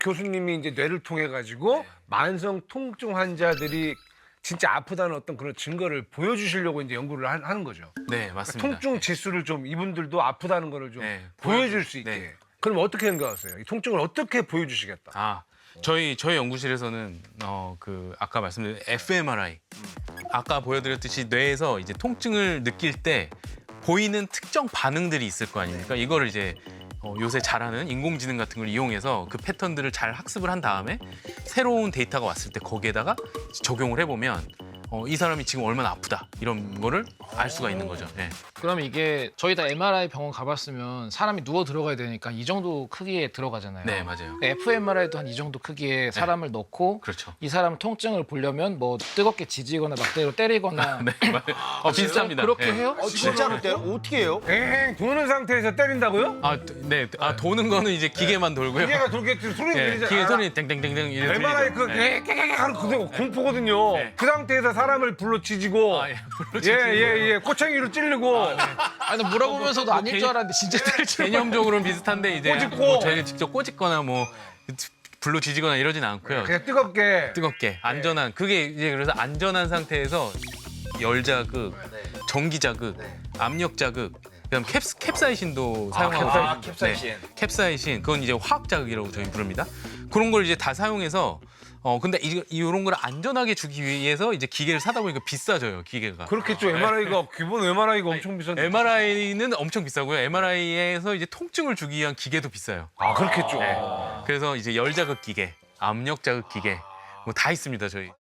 교수님이 이제 뇌를 통해 가지고 만성 통증 환자들이 진짜 아프다는 어떤 그런 증거를 보여주시려고 이제 연구를 하는 거죠. 네, 맞습니다. 통증 지수를 좀 이분들도 아프다는 거를 좀 네, 보여줄 수 있게. 네. 그럼 어떻게 생각하세요? 이 통증을 어떻게 보여주시겠다? 아, 저희 연구실에서는 아까 말씀드린 fMRI 아까 보여드렸듯이 뇌에서 이제 통증을 느낄 때 보이는 특정 반응들이 있을 거 아닙니까? 이거를 이제 요새 잘하는 인공지능 같은 걸 이용해서 그 패턴들을 잘 학습을 한 다음에 새로운 데이터가 왔을 때 거기에다가 적용을 해보면 이 사람이 지금 얼마나 아프다 이런 거를 알 수가 있는 거죠. 네. 그러면 이게 저희 다 MRI 병원 가봤으면 사람이 누워 들어가야 되니까 이 정도 크기에 들어가잖아요. 네, 맞아요. fMRI도 한 이 정도 크기에 사람을 넣고 그렇죠. 이 사람 통증을 보려면 뭐 뜨겁게 지지거나 막대로 때리거나 네, 맞아요. 비슷합니다. 그렇게 네. 해요? 진짜로 때려? 어떻게 해요? 엥 도는 상태에서 때린다고요? 네. 도는 거는 이제 기계만 돌고요. 기계가 돌겠지 소리 네, 들리지 기계 않아? 소리 땡땡땡땡 이렇게 MRI 들리죠. 네. 깨깨깨 하는 그게 공포거든요. 네. 그 상태에서 사람을 불러 지지고 예, 꼬챙이로 찌르고 아니 물어보면서도 아닐 줄 알았는데 진짜 때릴 줄 개념적으로는 비슷한데 이제 꼬집고. 뭐 저희가 직접 꼬집거나 뭐 불로 지지거나 이러진 않고요. 그냥 뜨겁게 뜨겁게 안전한 그게 이제 그래서 안전한 상태에서 열 자극, 전기 자극, 압력 자극, 그다음 캡사이신도 사용하고 캡사이신. 네, 캡사이신 그건 이제 화학 자극이라고 저희 부릅니다. 그런 걸 이제 다 사용해서 근데 이런 걸 안전하게 주기 위해서 이제 기계를 사다 보니까 비싸져요, 기계가. 그렇겠죠. MRI가 기본 MRI가 엄청 비싼데. MRI는 엄청 비싸고요. MRI에서 이제 통증을 주기 위한 기계도 비싸요. 아 그렇겠죠. 네. 그래서 이제 열 자극 기계, 압력 자극 기계 뭐 다 있습니다, 저희.